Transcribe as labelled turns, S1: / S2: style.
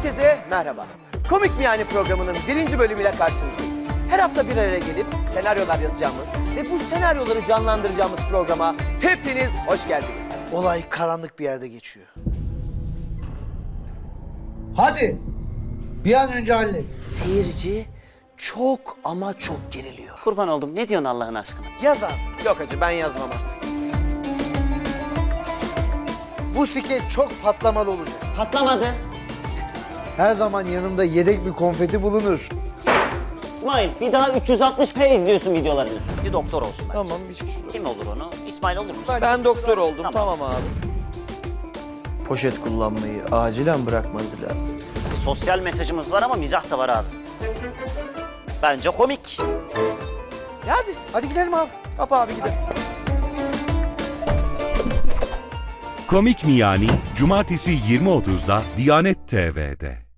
S1: Herkese merhaba. Komik mi yani programının 1. bölümüyle karşınızdayız. Her hafta bir araya gelip senaryolar yazacağımız ve bu senaryoları canlandıracağımız programa hepiniz hoş geldiniz.
S2: Olay karanlık bir yerde geçiyor.
S3: Hadi. Bir an önce hallet.
S1: Seyirci çok ama çok geriliyor.
S4: Kurban oldum. Ne diyorsun Allah'ın aşkına?
S2: Yaz abi.
S1: Yok hacı ben yazmam artık.
S2: Bu skeç çok patlamalı olacak.
S4: Patlamadı.
S2: Her zaman yanımda yedek bir konfeti bulunur.
S4: İsmail bir daha 360p izliyorsun videolarını. Bir doktor olsun bence.
S1: Tamam bir kişi.
S4: Kim olur onu? İsmail olur musun?
S1: Ben doktor oldum
S4: Tamam.
S1: tamam abi. Poşet kullanmayı acilen bırakmanız lazım.
S4: Sosyal mesajımız var ama mizah da var abi. Bence komik.
S1: Ya hadi
S2: Hadi gidelim abi.
S1: kapa abi gidelim.
S5: Komik mi yani? Cumartesi 20.30'da Diyanet TV'de.